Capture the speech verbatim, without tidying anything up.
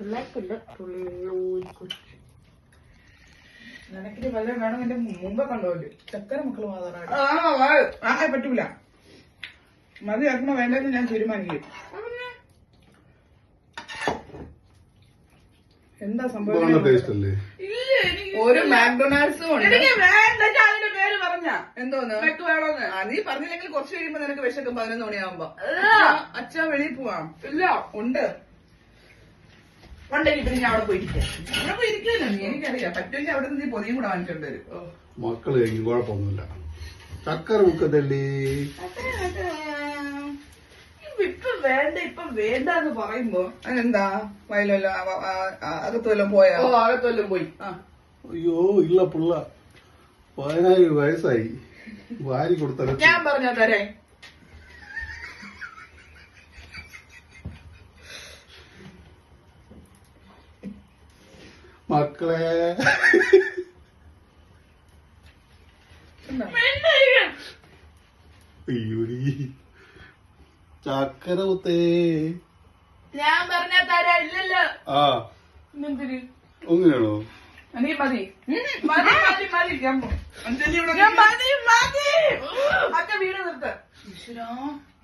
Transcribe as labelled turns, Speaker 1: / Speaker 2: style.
Speaker 1: നിനക്കിട്ട് വല്ലതും വേണം എന്റെ മുമ്പേ കണ്ടോല് ചക്കര മക്കള് മാത്രം പറ്റൂല മതി ആക്കണോ വേണ്ടെന്ന് ഞാൻ തീരുമാനിക്കും. എന്താ സംഭവം? ഒരു മാക്ഡൊണാൾഡ്സും ഉണ്ട്. അതിന്റെ പേര് പറഞ്ഞ എന്തോന്ന് വേണോന്ന് നീ പറഞ്ഞില്ലെങ്കിൽ കുറച്ച് കഴിയുമ്പോ നിനക്ക് വിശക്കും. പതിനൊന്ന് മണിയാവുമ്പോ അച്ഛാ വെളിയിൽ പോവാം. ഇല്ല ഉണ്ട് ഉണ്ടെങ്കിൽ പിന്നെ ഞാൻ അവിടെ പോയിരിക്കാം. അവിടെ പോയിരിക്കുമല്ലോ നീ, എനിക്കറിയാം. പറ്റുമെങ്കിൽ അവിടെ നിന്ന് നീ പൊതിയും കൂടെ വാങ്ങിച്ചോണ്ട് വരും.
Speaker 2: മക്കള് കഴിക്കും, കുഴപ്പമൊന്നുമില്ല. ചക്കര മുക്കത്തല്ലേ
Speaker 1: ഇപ്പൊ വേണ്ട ഇപ്പൊ വേണ്ട എന്ന് പറയുമ്പോ അതിനെന്താ വയലല്ലോ അകത്തുവല്ലോ പോയാ? അകത്തുവല്ലോ പോയി.
Speaker 2: അയ്യോ ഇല്ല പിള്ള പതിനായിരം വയസ്സായി. വാരി കൊടുത്ത
Speaker 1: ഞാൻ പറഞ്ഞോ തരേ.
Speaker 2: മക്കളെ അയ്യോടി ചക്കര മുത്തേ
Speaker 1: ഞാൻ പറഞ്ഞ തരാ. ഇല്ലല്ലോ.
Speaker 2: ആ
Speaker 1: എന്തിന്
Speaker 2: അങ്ങനെയാണോ?
Speaker 1: നീ മതി മതി മതി മതി മതി മതി. അച്ഛ വീട് നിർത്ത.